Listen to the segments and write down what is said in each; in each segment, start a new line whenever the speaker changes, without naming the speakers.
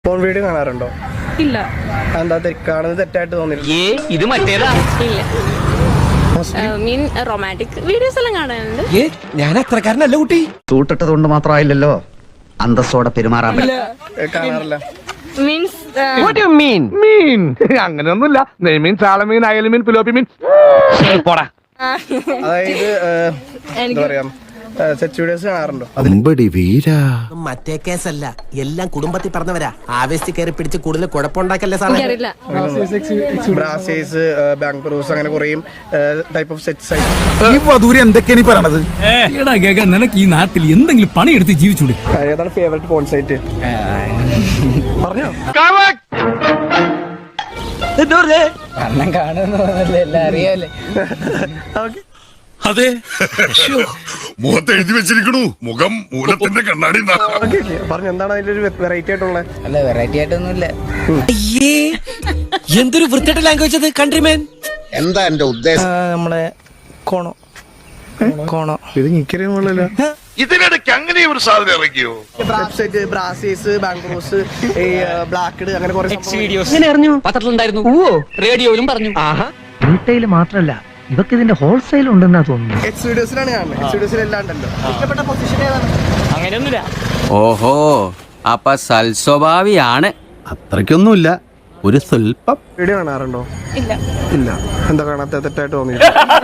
Phone video കാണാറുണ്ടോ?
ഇല്ല.
എന്താ കാണുന്നത് തെറ്റായിട്ട് തോന്നിയില്ല?
ഇത് മറ്റേതാ.
ഇല്ല. മീൻ റൊമാൻറ്റിക് വീഡിയോസ് എല്ലാം കാണാറുണ്ട്.
ഞാൻ അത്രക്കാരനല്ല കുട്ടി.
സൂട്ടിട്ടത് കൊണ്ട് മാത്രമായില്ലല്ലോ അന്തസ്സോടെ പെരുമാറാൻ
കാണാറില്ല.
മീൻസ്
മീൻ അങ്ങനെയൊന്നുമില്ല. നെയ്മീൻ, ചാളമീൻ, അയൽമീൻ, പിലോപ്പി മീൻ. പോടാ.
അതായത് എന്താ പറയാ, സെക്സ് വീഡിയോസ് കാണാറുണ്ടോ?
മറ്റേ കേസല്ല, എല്ലാം കുടുംബത്തിൽ പറഞ്ഞവരാ. ആവേശത്തിൽ കയറി പിടിച്ച് കൂടുതൽ കുഴപ്പമുണ്ടാക്കല്ലേ സാറേ.
എനിക്കറിയില്ല.
ബ്രാസേഴ്സ്, ബാങ്ക് ബ്രൂസ്, അങ്ങനെ കുറേ ടൈപ്പ് ഓഫ് സെക്സ്
നിനക്ക് ഈ നാട്ടിൽ എന്തെങ്കിലും പണിയെടുത്ത് ജീവിച്ചൂടെ?
ഏതാണ് ഫേവറേറ്റ് പോൺ സൈറ്റ്? പറഞ്ഞോ.
അതെ, മുഖത്ത് എഴുതി വെച്ചിരിക്കണു, മുഖം മൂലത്തിന്റെ കണ്ണാടി.
പറഞ്ഞു, എന്താണ് അതിന്റെ ഒരു വെറൈറ്റി ആയിട്ടുള്ള?
അല്ല, വെറൈറ്റി ആയിട്ടൊന്നുമില്ല. എന്തൊരു വൃത്തിയുടെ ലാംഗ്വേജ് അത്, കൺട്രിമാൻ.
എന്താ എന്റെ ഉദ്ദേശം?
നമ്മളെ കോണോ ഇത് നിക്കറിയുള്ളല്ലോ.
ഇതിനിടയ്ക്ക് അങ്ങനെ ഒരു സാധനം ഇറങ്ങിയോ?
Website, Brazzers, BangBros, Blacked, അങ്ങനെ കുറെ
പത്രത്തിലുണ്ടായിരുന്നു, റേഡിയോയിലും പറഞ്ഞു.
റീറ്റെയിൽ മാത്രല്ല, ഇതൊക്കെ ഇതിന്റെ ഹോൾസെയിൽ ഉണ്ടെന്നാ തോന്നുന്നു.
എക്സ് വീഡിയോസിലാണ് കാണുന്നത്. എക്സ് വീഡിയോസിൽ എല്ലാം ഉണ്ടല്ലോ. ഇഷ്ടപ്പെട്ട പൊസിഷൻ ഏതാണ്?
അങ്ങനെയൊന്നുമില്ല.
ഓഹോ, അപ്പൊ സൽസ്വഭാവിയാണ്.
അത്രയ്ക്കൊന്നുമില്ല, ഒരു സ്വൽപ്പം.
വീഡിയോ കാണാറുണ്ടോ?
ഇല്ല.
ഇല്ല. എന്താ കാണാത്ത? തെറ്റായിട്ട് തോന്നി?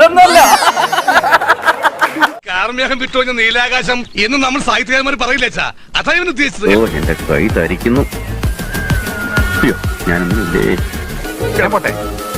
കാർമേഘം വിട്ടുകഴിഞ്ഞ നീലാകാശം എന്ന് നമ്മൾ സാഹിത്യകാരന്മാർ പറയില്ലേച്ചാ, അതാ ഇവൻ ഉദ്ദേശിച്ചത്.
എന്റെ കൈ തരിക്കുന്നു. ഞാനൊന്നുമില്ലേ.
പോട്ടെ.